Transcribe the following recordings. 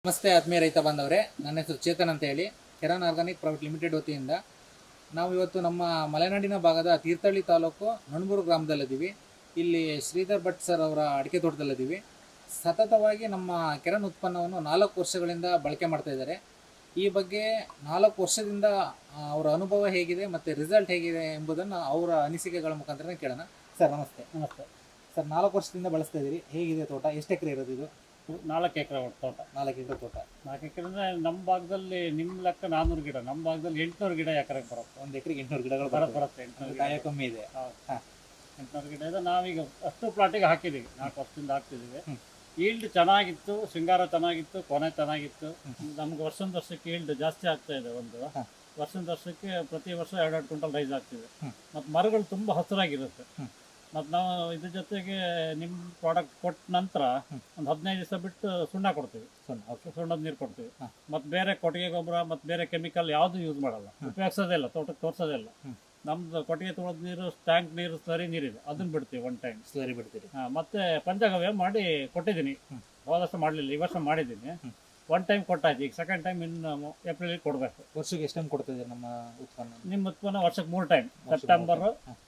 ನಮಸ್ತೆ ಆತ್ಮೀಯ ರೈತ ಬಾಂಧವರೇ, ನನ್ನ ಹೆಸರು ಚೇತನ್ ಅಂತ ಹೇಳಿ ಕೆರಾನ್ ಆರ್ಗಾನಿಕ್ ಪ್ರೈವೇಟ್ ಲಿಮಿಟೆಡ್ ವತಿಯಿಂದ ನಾವು ಇವತ್ತು ನಮ್ಮ ಮಲೆನಾಡಿನ ಭಾಗದ ತೀರ್ಥಹಳ್ಳಿ ತಾಲೂಕು ನಣಬೂರು ಗ್ರಾಮದಲ್ಲಿದ್ದೀವಿ. ಇಲ್ಲಿ ಶ್ರೀಧರ್ ಭಟ್ ಸರ್ ಅವರ ಅಡಿಕೆ ತೋಟದಲ್ಲಿದ್ದೀವಿ. ಸತತವಾಗಿ ನಮ್ಮ ಕೆರಾನ್ ಉತ್ಪನ್ನವನ್ನು 4 ವರ್ಷಗಳಿಂದ ಬಳಕೆ ಮಾಡ್ತಾ ಇದ್ದಾರೆ. ಈ ಬಗ್ಗೆ 4 ವರ್ಷದಿಂದ ಅವರ ಅನುಭವ ಹೇಗಿದೆ ಮತ್ತು ರಿಸಲ್ಟ್ ಹೇಗಿದೆ ಎಂಬುದನ್ನು ಅವರ ಅನಿಸಿಕೆಗಳ ಮುಖಾಂತರ ಕೇಳೋಣ. ಸರ್ ನಮಸ್ತೆ. ನಮಸ್ತೆ ಸರ್, 4 ವರ್ಷದಿಂದ ಬಳಸ್ತಾ ಇದ್ದೀರಿ, ಹೇಗಿದೆ ತೋಟ? ಎಷ್ಟು ಎಕರೆ ಇರೋದು ಇದು? 4 ಎಕರೆ ತೋಟ. 4 ಎಕರೆ ತೋಟ. 4 ಎಕರೆ ಅಂದರೆ ನಮ್ಮ ಭಾಗದಲ್ಲಿ ನಿಮ್ಮ ಲೆಕ್ಕ 400 ಗಿಡ, ನಮ್ಮ ಭಾಗದಲ್ಲಿ 800 ಗಿಡ ಎಕರೆಗೆ ಬರುತ್ತೆ. 1 ಎಕರೆಗೆ 800 ಗಿಡಗಳು ಬರುತ್ತೆ. 800 ಕಾಯ ಕಮ್ಮಿ ಇದೆ. ಹಾಂ, 800 ಗಿಡ ಇದೆ. ನಾವೀಗ ಅಷ್ಟು ಪ್ಲಾಟಿಗೆ ಹಾಕಿದ್ದೀವಿ, 4 ವರ್ಷದಿಂದ ಹಾಕ್ತಿದ್ದೀವಿ. ಈಲ್ಡ್ ಚೆನ್ನಾಗಿತ್ತು, ಶೃಂಗಾರ ಚೆನ್ನಾಗಿತ್ತು, ಕೊನೆ ಚೆನ್ನಾಗಿತ್ತು. ನಮ್ಗೆ ವರ್ಷಕ್ಕೆ ಈಲ್ಡ್ ಜಾಸ್ತಿ ಆಗ್ತಾ ಇದೆ. ವರ್ಷಕ್ಕೆ ಪ್ರತಿ ವರ್ಷ 2 ಕ್ವಿಂಟಲ್ ರೈಸ್ ಆಗ್ತಿದೆ. ಮತ್ತು ಮರಗಳು ತುಂಬ ಹಸಿರಾಗಿರುತ್ತೆ. ಮತ್ತು ನಾವು ಇದ್ರ ಜೊತೆಗೆ ನಿಮ್ಮ ಪ್ರಾಡಕ್ಟ್ ಕೊಟ್ಟ ನಂತರ ಒಂದು 15 ದಿವಸ ಬಿಟ್ಟು ಸುಣ್ಣ ಕೊಡ್ತೀವಿ. ಸುಣ್ಣದ ನೀರು ಕೊಡ್ತೀವಿ. ಮತ್ತು ಬೇರೆ ಕೊಟ್ಟಿಗೆ ಗೊಬ್ಬರ ಮತ್ತು ಬೇರೆ ಕೆಮಿಕಲ್ ಯಾವುದು ಯೂಸ್ ಮಾಡಲ್ಲ, ಉಪಯೋಗಿಸೋದೇ ಇಲ್ಲ, ತೋಟಕ್ಕೆ ತೋರಿಸೋದೇ ಇಲ್ಲ. ನಮ್ದು ಕೊಟ್ಟಿಗೆ ತೊಳೆದ ನೀರು, ಟ್ಯಾಂಕ್ ನೀರು, ಸ್ಲರಿ ನೀರಿದೆ, ಅದನ್ನ ಬಿಡ್ತೀವಿ. 1 ಟೈಮ್ ಸ್ಲರಿ ಬಿಡ್ತೀವಿ. ಮತ್ತೆ ಪಂಚಗವ್ಯ ಮಾಡಿ ಕೊಟ್ಟಿದ್ದೀನಿ. ಹೋದ ವರ್ಷ ಮಾಡಲಿಲ್ಲ, ಈ ವರ್ಷ ಮಾಡಿದ್ದೀನಿ. 1 ಟೈಮ್ ಕೊಟ್ಟಾಯ್ತು. ಈಗ 2nd ಟೈಮ್ ಇನ್ನು ಏಪ್ರಿಲ್ ಕೊಡಬೇಕು. ವರ್ಷಕ್ಕೆ ಎಷ್ಟು ಟೈಮ್ ಕೊಡ್ತಿದ್ದೀರಿ ನಮ್ಮ ಉತ್ಪನ್ನ? ನಿಮ್ಮ ಉತ್ಪನ್ನ ವರ್ಷಕ್ಕೆ 3 ಟೈಮ್, ಸೆಪ್ಟೆಂಬರ್,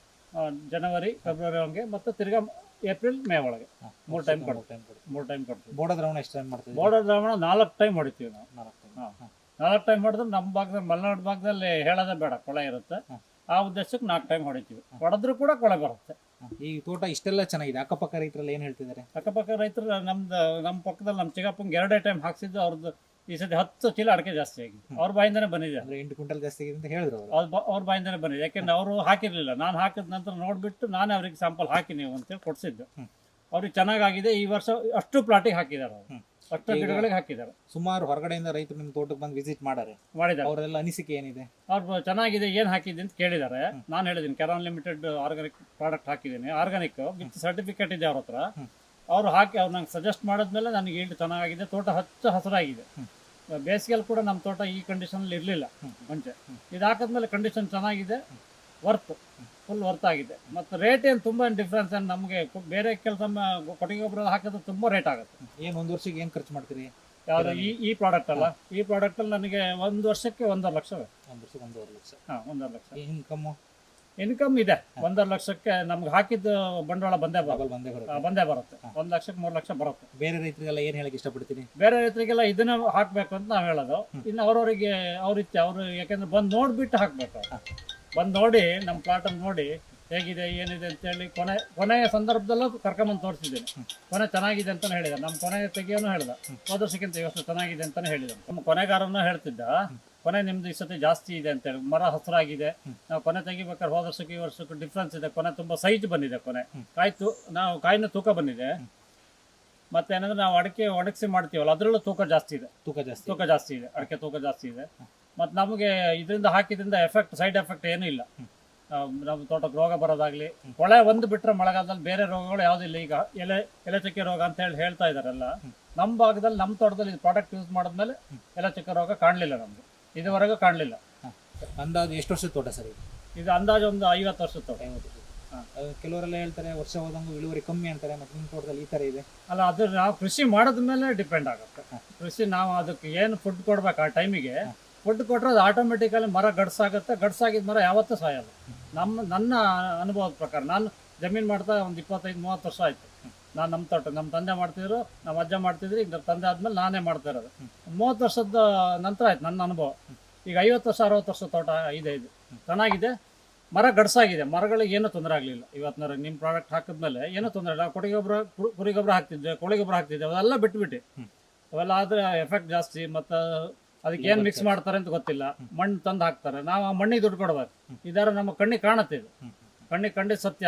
ಜನವರಿ, ಫೆಬ್ರವರಿ ಹಂಗೆ, ಮತ್ತು ತಿರ್ಗಾ ಏಪ್ರಿಲ್, ಮೇ ಒಳಗೆ 3 ಟೈಮ್ ಕೊಡ್ತೀವಿ. 3 ಟೈಮ್ ಕೊಡ್ತೀವಿ. ಬೋರ್ಡ ದ್ರಾವಣ ಎಷ್ಟು ಟೈಮ್ ಮಾಡ್ತೀವಿ? ಬೋರ್ಡ ದ್ರಾವಣ 4 ಟೈಮ್ ಹೊಡಿತೀವಿ ನಾವು. 4 ಟೈಮ್ ಹೊಡೆದ್ರೆ ನಮ್ಮ ಭಾಗದಲ್ಲಿ, ಮಲೆನಾಡು ಭಾಗದಲ್ಲಿ ಹೇಳೋದೇ ಬೇಡ, ಕೊಳೆ ಇರುತ್ತೆ. ಆ ಉದ್ದೇಶಕ್ಕೆ 4 ಟೈಮ್ ಹೊಡಿತೀವಿ. ಹೊಡೆದ್ರೂ ಕೂಡ ಕೊಳೆ ಬರುತ್ತೆ. ಈ ತೋಟ ಇಷ್ಟೆಲ್ಲ ಚೆನ್ನಾಗಿದೆ, ಅಕ್ಕಪಕ್ಕ ರೈತರೆಲ್ಲ ಏನು ಹೇಳ್ತಿದ್ದಾರೆ? ಅಕ್ಕಪಕ್ಕ ರೈತರು ನಮ್ಮ ಪಕ್ಕದಲ್ಲಿ ನಮ್ಮ ಚಿಕ್ಕಪ್ಪಂಗೆ 2 ಟೈಮ್ ಹಾಕ್ಸಿದ್ದು. ಅವ್ರದ್ದು ಈ ಸತಿ 10 ಚೀಲ ಅಡಿಕೆ ಜಾಸ್ತಿ ಆಗಿದೆ. ಅವ್ರ ಬಾಯಿಂದನೇ ಬಂದಿದೆ. 8 ಕ್ವಿಂಟಲ್ ಜಾಸ್ತಿ ಆಗಿದೆ ಅಂತ ಹೇಳಿದ್ರು ಅವ್ರ ಬಾಯಿಂದನೇ ಬಂದಿದೆ. ಯಾಕೆಂದ್ರೆ ಅವರು ಹಾಕಿರ್ಲಿಲ್ಲ, ನಾನು ಹಾಕಿದ ನಂತರ ನೋಡ್ಬಿಟ್ಟು ನಾನೇ ಅವ್ರಿಗೆ ಸ್ಯಾಂಪಲ್ ಹಾಕಿ ನೀವು ಅಂತೇಳಿ ಕೊಡ್ಸಿದ್ದು. ಅವ್ರಿಗೆ ಚೆನ್ನಾಗಿದೆ. ಈ ವರ್ಷ ಅಷ್ಟು ಪ್ಲಾಟಿಗೆ ಹಾಕಿದ್ದಾರೆ, ಅವರು ಅಷ್ಟು ಗಿಡಗಳಿಗೆ ಹಾಕಿದ್ದಾರೆ. ಸುಮಾರು ಹೊರಗಡೆಯಿಂದ ರೈತರು ನಿಮ್ಮ ತೋಟಕ್ಕೆ ಬಂದು ವಿಸಿಟ್ ಮಾಡಿದ್ದಾರೆ. ಅವರೆಲ್ಲ ಅನಿಸಿಕೆ ಏನಿದೆ? ಅವ್ರು ಚೆನ್ನಾಗಿದೆ, ಏನು ಹಾಕಿದೆ ಅಂತ ಕೇಳಿದ್ದಾರೆ. ನಾನು ಹೇಳಿದ್ದೀನಿ ಕೆರಾನ್ ಲಿಮಿಟೆಡ್ ಆರ್ಗಾನಿಕ್ ಪ್ರಾಡಕ್ಟ್ ಹಾಕಿದ್ದೀನಿ, ಆರ್ಗಾನಿಕ್ ವಿತ್ ಸರ್ಟಿಫಿಕೇಟ್ ಇದೆ ಅವ್ರ ಹತ್ರ. ಅವ್ರು ಹಾಕಿ ಅವ್ರು ನಂಗೆ ಸಜೆಸ್ಟ್ ಮಾಡಿದ್ಮೇಲೆ ನನಗೆ ಈಲ್ಡ್ ಚೆನ್ನಾಗಿದೆ, ತೋಟ ಹಸಿರಾಗಿದೆ. ಬೇಸಿಗೆಯಲ್ಲಿ ಕೂಡ ನಮ್ಮ ತೋಟ ಈ ಕಂಡೀಷನಲ್ಲಿ ಇರಲಿಲ್ಲ ಮುಂಚೆ. ಇದು ಹಾಕಿದ್ಮೇಲೆ ಕಂಡೀಷನ್ ಚೆನ್ನಾಗಿದೆ, ಫುಲ್ ವರ್ತ್ ಆಗಿದೆ. ಮತ್ತು ರೇಟ್ ಏನು ತುಂಬ ಡಿಫ್ರೆನ್ಸ್ ಏನು ನಮಗೆ ಬೇರೆ ಕೆಲಸ ಕೊಟ್ಟಿಗೆ ಗೊಬ್ಬರ ಹಾಕಿದ್ರೆ ತುಂಬ ರೇಟ್ ಆಗುತ್ತೆ. ಏನು 1 ವರ್ಷಕ್ಕೆ ಏನು ಖರ್ಚು ಮಾಡ್ತೀರಿ? ಯಾವುದು ಈ ಪ್ರಾಡಕ್ಟ್ ಅಲ್ಲ, ಈ ಪ್ರಾಡಕ್ಟಲ್ಲಿ ನನಗೆ 1 ವರ್ಷಕ್ಕೆ 1.5 ಲಕ್ಷ. 1 ವರ್ಷಕ್ಕೆ 1.5 ಲಕ್ಷ. ಹಾಂ, 1.5 ಲಕ್ಷ ಇನ್ಕಮ್ ಇದೆ. 1.5 ಲಕ್ಷಕ್ಕೆ ನಮ್ಗೆ ಹಾಕಿದ್ದು ಬಂಡವಾಳ ಬಂದೇ ಬರುತ್ತೆ. 1 ಲಕ್ಷಕ್ಕೆ 3 ಲಕ್ಷ ಬರುತ್ತೆ. ಬೇರೆ ರೈತರಿಗೆಲ್ಲ ಏನು ಹೇಳಕ್ಕೆ ಇಷ್ಟಪಡ್ತೀನಿ? ಬೇರೆ ರೈತರಿಗೆಲ್ಲ ಇದನ್ನ ಹಾಕ್ಬೇಕು ಅಂತ ನಾವು ಹೇಳೋದು. ಇನ್ನು ಅವ್ರವರಿಗೆ ಅವ್ರಿತ್ತೆ, ಅವರು ಯಾಕೆಂದ್ರೆ ಬಂದು ನೋಡ್ಬಿಟ್ಟು ಹಾಕ್ಬೇಕು. ಬಂದು ನೋಡಿ, ನಮ್ಮ ಪ್ಲಾಟನ್ನು ನೋಡಿ ಹೇಗಿದೆ ಏನಿದೆ ಅಂತೇಳಿ ಕೊನೆಯ ಸಂದರ್ಭದಲ್ಲೂ ಕರ್ಕೊಂಬಂದು ತೋರಿಸಿದ್ದೇನೆ. ಕೊನೆ ಚೆನ್ನಾಗಿದೆ ಅಂತಲೇ ಹೇಳಿದ. ನಮ್ಮ ಕೊನೆ ತೆಗಿಯೋನು ಹೇಳ್ದ, ಹೋದ ವರ್ಷಕ್ಕಿಂತ ಈ ವರ್ಷ ಚೆನ್ನಾಗಿದೆ ಅಂತಲೇ ಹೇಳಿದ. ನಮ್ಮ ಕೊನೆಗಾರನೂ ಹೇಳ್ತಿದ್ದ, ಕೊನೆ ನಿಮ್ದು ಈ ಸತಿ ಜಾಸ್ತಿ ಇದೆ ಅಂತೇಳಿ, ಮರ ಹಸಿರಾಗಿದೆ. ನಾವು ಕೊನೆ ತೆಗಿಬೇಕಾದ್ರೆ ಹೋದ ವರ್ಷಕ್ಕೆ ಈ ವರ್ಷಕ್ಕೂ ಡಿಫ್ರೆನ್ಸ್ ಇದೆ. ಕೊನೆ ತುಂಬ ಸೈಜ್ ಬಂದಿದೆ. ಕೊನೆ ಕಾಯಿನ ತೂಕ ಬಂದಿದೆ. ಮತ್ತೇನಂದ್ರೆ ನಾವು ಅಡಿಕೆ ಒಣಗಿಸಿ ಮಾಡ್ತೀವಲ್ಲ, ಅದರಲ್ಲೂ ತೂಕ ಜಾಸ್ತಿ ಇದೆ. ಅಡಿಕೆ ತೂಕ ಜಾಸ್ತಿ ಇದೆ. ಮತ್ತು ನಮಗೆ ಇದರಿಂದ ಹಾಕಿದ್ರಿಂದ ಸೈಡ್ ಎಫೆಕ್ಟ್ ಏನೂ ಇಲ್ಲ. ನಮ್ಮ ತೋಟಕ್ಕೆ ರೋಗ ಬರೋದಾಗ್ಲಿ, ಕೊಳೆ ಒಂದು ಬಿಟ್ಟರೆ ಮಳೆಗಾಲದಲ್ಲಿ ಬೇರೆ ರೋಗಗಳು ಯಾವುದಿಲ್ಲ. ಈಗ ಎಲೆ ಚಕ್ಕೆ ರೋಗ ಅಂತ ಹೇಳ್ತಾ ಇದಾರೆಲ್ಲ. ನಮ್ಮ ಭಾಗದಲ್ಲಿ, ನಮ್ಮ ತೋಟದಲ್ಲಿ ಪ್ರಾಡಕ್ಟ್ ಯೂಸ್ ಮಾಡಿದ್ಮೇಲೆ ಎಲೆ ಚಕ್ಕೆ ರೋಗ ಕಾಣಲಿಲ್ಲ, ನಮ್ಗೆ ಇದುವರೆಗೂ ಕಾಣಲಿಲ್ಲ. ಅಂದಾಜು ಎಷ್ಟು ವರ್ಷದ ತೋಟ ಸರ್ ಇದು? ಅಂದಾಜು ಒಂದು 50 ವರ್ಷದ ತೋಟ. ಕೆಲವರೆಲ್ಲ ಹೇಳ್ತಾರೆ ವರ್ಷ ಹೋದಂಗೂ ಇಳುವರಿ ಕಮ್ಮಿ ಅಂತಾರೆ. ಮತ್ತು ನಿಮ್ಮ ತೋಟದಲ್ಲಿ ಈ ಥರ ಇದೆ ಅಲ್ಲ? ಅದು ನಾವು ಕೃಷಿ ಮಾಡೋದ್ಮೇಲೆ ಡಿಪೆಂಡ್ ಆಗುತ್ತೆ. ಕೃಷಿ ನಾವು ಅದಕ್ಕೆ ಏನು ಫುಡ್ ಕೊಡ್ಬೇಕು, ಆ ಟೈಮಿಗೆ ಫುಡ್ ಕೊಟ್ಟರೆ ಅದು ಆಟೋಮೆಟಿಕಲಿ ಮರ ಗಡ್ಸಾಗುತ್ತೆ. ಗಡ್ಸಾಗಿದ್ದ ಮರ ಯಾವತ್ತೂ ಸಾಯಲ್ಲ. ನನ್ನ ಅನುಭವದ ಪ್ರಕಾರ, ನಾನು ಜಮೀನು ಮಾಡ್ತಾ ಒಂದು 25-30 ವರ್ಷ ಆಯಿತು. ನಾನು ನಮ್ಮ ತೋಟ ನಮ್ಮ ತಂದೆ ಮಾಡ್ತಿದ್ರು, ನಮ್ಮ ಅಜ್ಜ ಮಾಡ್ತಿದ್ರು. ಈಗ ತಂದೆ ಆದಮೇಲೆ ನಾನೇ ಮಾಡ್ತಾ ಇರೋದು. 30 ವರ್ಷದ ನಂತರ ಆಯ್ತು ನನ್ನ ಅನುಭವ. ಈಗ 50 ವರ್ಷ 60 ವರ್ಷದ ತೋಟ ಇದೆ. ಇದು ಚೆನ್ನಾಗಿದೆ, ಮರ ಗಡ್ಸಾಗಿದೆ, ಮರಗಳಿಗೆ ಏನೂ ತೊಂದರೆ ಆಗಲಿಲ್ಲ. ಇವತ್ತಿನ ನಿಮ್ಮ ಪ್ರಾಡಕ್ಟ್ ಹಾಕಿದ್ಮೇಲೆ ಏನೂ ತೊಂದರೆ ಇಲ್ಲ. ಕೊಟ್ಟಿಗೆ ಗೊಬ್ಬರ, ಕುರಿ ಗೊಬ್ಬರ ಹಾಕ್ತಿದ್ದೆ, ಕೋಳಿ ಗೊಬ್ಬರ ಹಾಕ್ತಿದ್ದೆ, ಅವೆಲ್ಲ ಬಿಟ್ಬಿಟ್ಟು. ಅವೆಲ್ಲ ಆದರೆ ಎಫೆಕ್ಟ್ ಜಾಸ್ತಿ. ಮತ್ತು ಅದಕ್ಕೆ ಏನು ಮಿಕ್ಸ್ ಮಾಡ್ತಾರೆ ಅಂತ ಗೊತ್ತಿಲ್ಲ. ಮಣ್ಣು ತಂದು ಹಾಕ್ತಾರೆ, ನಾವು ಆ ಮಣ್ಣಿಗೆ ದುಡ್ಡು ಕೊಡ್ಬೇಕು. ಇದರ ನಮ್ಮ ಕಣ್ಣಿಗೆ ಕಾಣುತ್ತೆ, ಇದು ಕಣ್ಣಿಗೆ ಸತ್ಯ.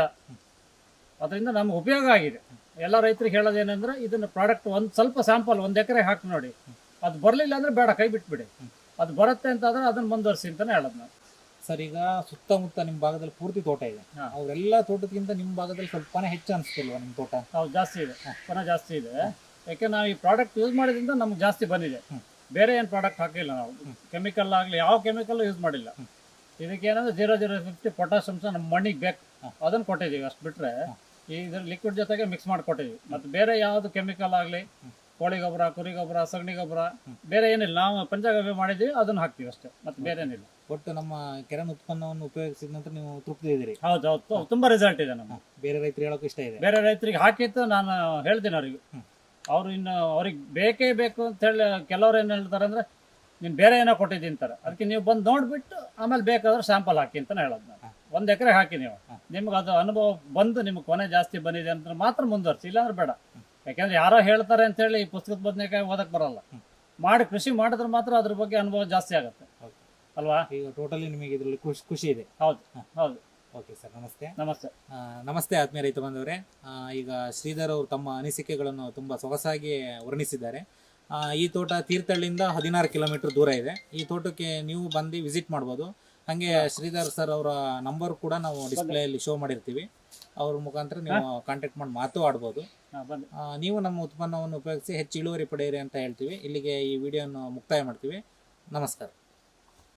ಅದರಿಂದ ನಮ್ಗೆ ಉಪಯೋಗ ಆಗಿದೆ. ಎಲ್ಲ ರೈತರಿಗೆ ಹೇಳೋದೇನೆಂದ್ರೆ, ಇದನ್ನು ಪ್ರಾಡಕ್ಟ್ ಸ್ವಲ್ಪ ಸ್ಯಾಂಪಲ್ 1 ಎಕರೆ ಹಾಕಿ ನೋಡಿ. ಅದು ಬರಲಿಲ್ಲ ಅಂದರೆ ಬೇಡ, ಕೈ ಬಿಟ್ಬಿಡಿ. ಅದು ಬರುತ್ತೆ ಅಂತಾದ್ರೆ ಅದನ್ನು ಮುಂದುವರಿಸಿ ಅಂತಲೇ ಹೇಳೋದು ನಾವು. ಸರ್, ಈಗ ಸುತ್ತಮುತ್ತ ನಿಮ್ಮ ಭಾಗದಲ್ಲಿ ಪೂರ್ತಿ ತೋಟ ಇದೆ. ಅವರೆಲ್ಲ ತೋಟಕ್ಕಿಂತ ನಿಮ್ಮ ಭಾಗದಲ್ಲಿ ಸ್ವಲ್ಪನೇ ಹೆಚ್ಚು ಅನಿಸ್ತಿಲ್ವಾ ನಿಮ್ಮ ತೋಟ? ಹೌದು, ಜಾಸ್ತಿ ಇದೆ, ಜಾಸ್ತಿ ಇದೆ. ಯಾಕೆ ನಾವು ಈ ಪ್ರಾಡಕ್ಟ್ ಯೂಸ್ ಮಾಡಿದ್ರಿಂದ ನಮ್ಗೆ ಜಾಸ್ತಿ ಬಂದಿದೆ. ಬೇರೆ ಏನು ಪ್ರಾಡಕ್ಟ್ ಹಾಕಿಲ್ಲ ನಾವು. ಕೆಮಿಕಲ್ ಆಗಲಿ ಯಾವ ಕೆಮಿಕಲ್ ಯೂಸ್ ಮಾಡಿಲ್ಲ. ಇದಕ್ಕೇನಂದ್ರೆ 0.050 ಪೊಟ್ಯಾಷಿಯಮ್ಸ್ ನಮ್ಮ ಮಣ್ಣಿಗೆ ಬೇಕು, ಅದನ್ನು ಕೊಟ್ಟಿದ್ದೀವಿ. ಅಷ್ಟು ಬಿಟ್ಟರೆ ಇದ್ರ ಲಿಕ್ವಿಡ್ ಜೊತೆಗೆ ಮಿಕ್ಸ್ ಮಾಡಿ ಕೊಟ್ಟಿದ್ದೀವಿ. ಮತ್ತು ಬೇರೆ ಯಾವುದು ಕೆಮಿಕಲ್ ಆಗಲಿ ಕೋಳಿ ಗೊಬ್ಬರ, ಕುರಿ ಗೊಬ್ಬರ, ಸಗಣಿ ಗೊಬ್ಬರ, ಬೇರೆ ಏನಿಲ್ಲ. ನಾವು ಪಂಚಗವ್ಯ ಮಾಡಿದ್ದೀವಿ, ಅದನ್ನು ಹಾಕ್ತೀವಿ ಅಷ್ಟೇ, ಮತ್ತೆ ಬೇರೆ ಏನಿಲ್ಲ. ಒಟ್ಟು ನಮ್ಮ ಕೆರನ್ ಉತ್ಪನ್ನವನ್ನು ಉಪಯೋಗಿಸಿದ ನಂತರ ನೀವು ತೃಪ್ತಿ ಇದ್ದೀರಿ? ಹೌದು ಹೌದು, ತುಂಬಾ ರಿಸಲ್ಟ್ ಇದೆ ನಮ್ಗೆ. ಬೇರೆ ರೈತರು ಹೇಳೋಕೆ ಇಷ್ಟ ಇದೆ? ಬೇರೆ ರೈತರಿಗೆ ಹಾಕಿತ್ತು ನಾನು ಹೇಳ್ತೀನಿ ಅವ್ರಿಗೆ. ಅವ್ರು ಇನ್ನು ಅವ್ರಿಗೆ ಬೇಕೇ ಬೇಕು ಅಂತ ಹೇಳಿ ಕೆಲವ್ರು ಏನು ಹೇಳ್ತಾರೆ ಅಂದ್ರೆ ನೀನು ಬೇರೆ ಏನೋ ಕೊಟ್ಟಿದ್ದೀನಿ ಅಂತಾರೆ. ಅದಕ್ಕೆ ನೀವು ಬಂದು ನೋಡ್ಬಿಟ್ಟು ಆಮೇಲೆ ಬೇಕಾದ್ರೆ ಸ್ಯಾಂಪಲ್ ಹಾಕಿ ಅಂತಾನೆ ಹೇಳೋದು ನಾನು. 1 ಎಕರೆ ಹಾಕಿ ನೀವು, ನಿಮ್ಗೆ ಅದು ಅನುಭವ ಬಂದು ನಿಮ್ಗೆ ಕೊನೆ ಜಾಸ್ತಿ ಬಂದಿದೆ ಅಂತ ಮಾತ್ರ ಮುಂದುವರ್ಸಿ, ಇಲ್ಲಾಂದ್ರೆ ಬೇಡ. ಯಾಕೆಂದ್ರೆ ಯಾರೋ ಹೇಳ್ತಾರೆ ಅಂತ ಹೇಳಿ ಈ ಪುಸ್ತಕದ ಬದನೆಕಾಯಿ ಓದಕ್ ಬರಲ್ಲ. ಕೃಷಿ ಮಾಡಿದ್ರೆ ಮಾತ್ರ ಅದ್ರ ಬಗ್ಗೆ ಅನುಭವ ಜಾಸ್ತಿ ಆಗುತ್ತೆ ಅಲ್ವಾ? ಈಗ ಟೋಟಲಿ ನಿಮಗೆ ಇದರಲ್ಲಿ ಖುಷಿ ಇದೆ? ಹೌದು ಹೌದು. ಓಕೆ ಸರ್, ನಮಸ್ತೆ. ನಮಸ್ತೆ. ನಮಸ್ತೆ ಆತ್ಮೀಯ ರೈತ ಬಂದವರೇ. ಈಗ ಶ್ರೀಧರ್ ಅವರು ತಮ್ಮ ಅನಿಸಿಕೆಗಳನ್ನು ತುಂಬ ಸೊಗಸಾಗಿ ವರ್ಣಿಸಿದ್ದಾರೆ. ಈ ತೋಟ ತೀರ್ಥಹಳ್ಳಿಯಿಂದ 16 ಕಿಲೋಮೀಟರ್ ದೂರ ಇದೆ. ಈ ತೋಟಕ್ಕೆ ನೀವು ಬಂದು ವಿಸಿಟ್ ಮಾಡ್ಬೋದು. ಹಾಗೆ ಶ್ರೀಧರ್ ಸರ್ ಅವರ ನಂಬರ್ ಕೂಡ ನಾವು ಡಿಸ್ಪ್ಲೇಯಲ್ಲಿ ಶೋ ಮಾಡಿರ್ತೀವಿ. ಅವ್ರ ಮುಖಾಂತರ ನೀವು ಕಾಂಟ್ಯಾಕ್ಟ್ ಮಾಡಿ ಮಾತು ಆಡ್ಬೋದು. ನೀವು ನಮ್ಮ ಉತ್ಪನ್ನವನ್ನು ಉಪಯೋಗಿಸಿ ಹೆಚ್ಚು ಇಳುವರಿ ಪಡೆಯಿರಿ ಅಂತ ಹೇಳ್ತೀವಿ. ಇಲ್ಲಿಗೆ ಈ ವಿಡಿಯೋನ ಮುಕ್ತಾಯ ಮಾಡ್ತೀವಿ. ನಮಸ್ಕಾರ.